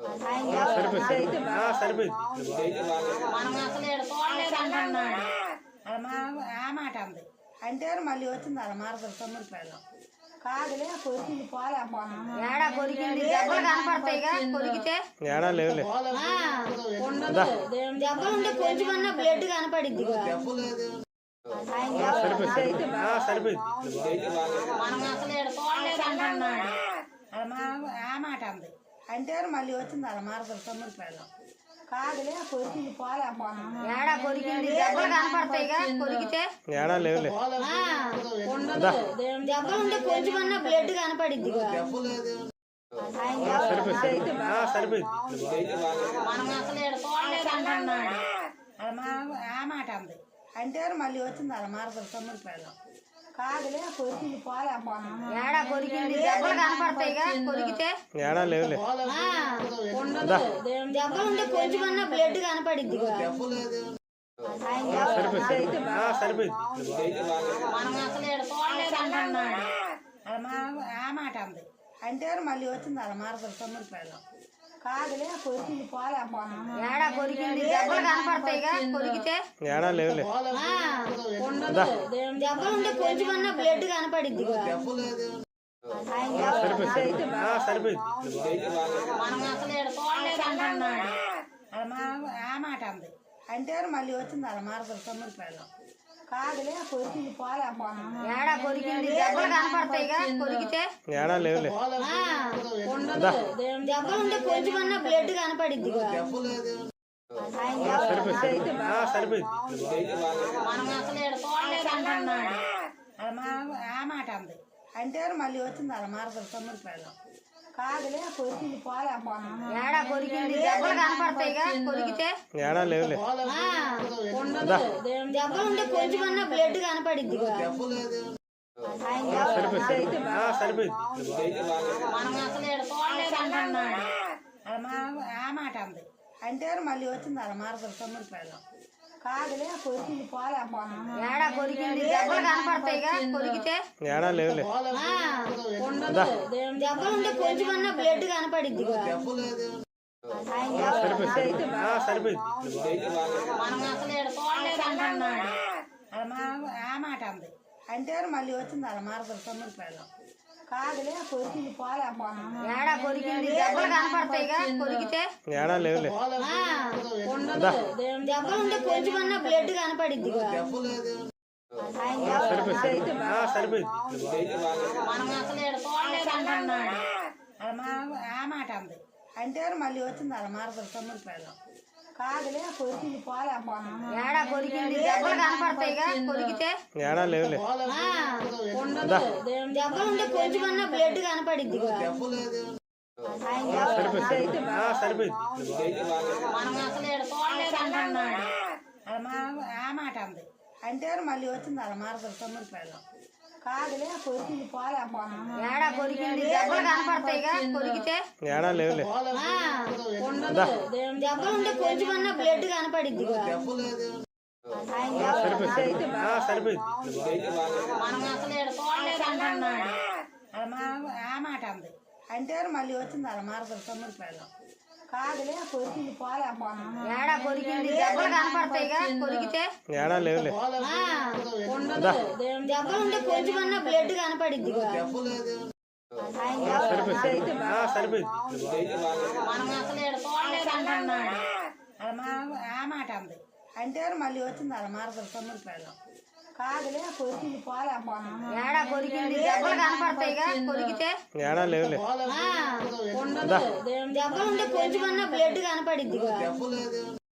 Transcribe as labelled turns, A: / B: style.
A: ఆ మాట అంది అంటే మళ్ళీ వచ్చింది అలా మారదు తొమ్మిది పిల్లలు కాదులే కొరికింది పోలే ఏడా కొరికింది దెబ్బలు కనపడతాయిగా కొరికితే
B: ఏడా లేవులే
A: దెబ్బలు ఉంటే కొంచెమన్నా బ్లడ్ కనపడిద్ది ఆ మాట అంది అంటే మళ్ళీ వచ్చింది అలా మారదు తొమ్మిది పిల్లలు కాదులే కొరికింది పోలే ఏడా కొరికింది దెబ్బలు కనపడతాయిగా కొరికితే
B: ఏడా లేవులే
A: దెబ్బలు ఉంటే కొంచెమన్నా బ్లడ్ కనపడిద్ది ఆ మాట అంది అంటే మళ్ళీ వచ్చింది అలా మారదు తొమ్మిది పిల్లలు కాదులే కొరికింది పోలే ఏడా కొరికింది దెబ్బలు కనపడతాయిగా కొరికితే
B: ఏడా లేవులే
A: దెబ్బలు ఉంటే కొంచెమన్నా బ్లడ్ కనపడిద్ది ఆ మాట అంది అంటే మళ్ళీ వచ్చింది అలా మారదు తొమ్మిది పిల్లలు కాదులే కొరికింది పోలే ఏడా కొరికింది దెబ్బలు కనపడతాయిగా కొరికితే
B: ఏడా లేవులే
A: దెబ్బలు ఉంటే కొంచెమన్నా బ్లడ్ కనపడిద్ది ఆ మాట అంది అంటే మళ్ళీ వచ్చింది అలా మారదు తొమ్మిది పిల్లలు కాదులే కొరికింది పోలే ఏడా కొరికింది దెబ్బలు కనపడతాయిగా కొరికితే
B: ఏడా లేవులే
A: దెబ్బలు ఉంటే కొంచెమన్నా బ్లడ్ కనపడిద్ది ఆ మాట అంది అంటే మళ్ళీ వచ్చింది అలా మారదు తొమ్మిది పిల్లలు కాదులే కొరికింది పోలే ఏడా కొరికింది దెబ్బలు కనపడతాయిగా కొరికితే
B: ఏడా లేవులే
A: దెబ్బలు ఉంటే కొంచెమన్నా బ్లడ్ కనపడిద్ది ఆ మాట అంది అంటే మళ్ళీ వచ్చింది అలా మారదు తొమ్మిది పిల్లలు కాదులే కొరికింది పోలే ఏడా కొరికింది దెబ్బలు కనపడతాయిగా కొరికితే
B: ఏడా లేవులే
A: దెబ్బలు ఉంటే కొంచెమన్నా బ్లడ్ కనపడిద్ది ఆ మాట అంది అంటే మళ్ళీ వచ్చింది అలా మారదు తొమ్మిది పిల్లలు కాదులే కొరికింది పోలే ఏడా కొరికింది దెబ్బలు కనపడతాయిగా కొరికితే
B: ఏడా లేవులే
A: దెబ్బలు ఉంటే కొంచెమన్నా బ్లడ్ కనపడిద్ది ఆ మాట అంది అంటే మళ్ళీ వచ్చింది అలా మారదు తొమ్మిది పిల్లలు కాదులే కొరికింది పోలే ఏడా కొరికింది దెబ్బలు కనపడతాయిగా కొరికితే
B: ఏడా లేవులే
A: దెబ్బలు ఉంటే కొంచెమన్నా బ్లడ్ కనపడిద్ది ఆ మాట అంది అంటే మళ్ళీ వచ్చింది అలా మారదు తొమ్మిది పిల్లలు కాదులే కొరికింది పోలే ఏడా కొరికింది దెబ్బలు కనపడతాయిగా కొరికితే
B: ఏడా లేవులే
A: దెబ్బలు ఉంటే కొంచెమన్నా బ్లడ్ కనపడిద్ది ఆ మాట అంది అంటే మళ్ళీ వచ్చింది అలా మారదు తొమ్మిది పిల్లలు కాదులే కొరికింది పోలే ఏడా కొరికింది దెబ్బలు కనపడతాయిగా కొరికితే
B: ఏడా లేవులే
A: దెబ్బలు ఉంటే కొంచెమన్నా బ్లడ్ కనపడిద్ది ఆ మాట అంది అంటే మళ్ళీ వచ్చింది అలా మారదు తొమ్మిది పిల్లలు కాదులే కొరికింది పోలే ఏడా కొరికింది దెబ్బలు కనపడతాయిగా కొరికితే
B: ఏడా లేవులే
A: దెబ్బలు ఉంటే కొంచెమన్నా బ్లడ్ కనపడిద్ది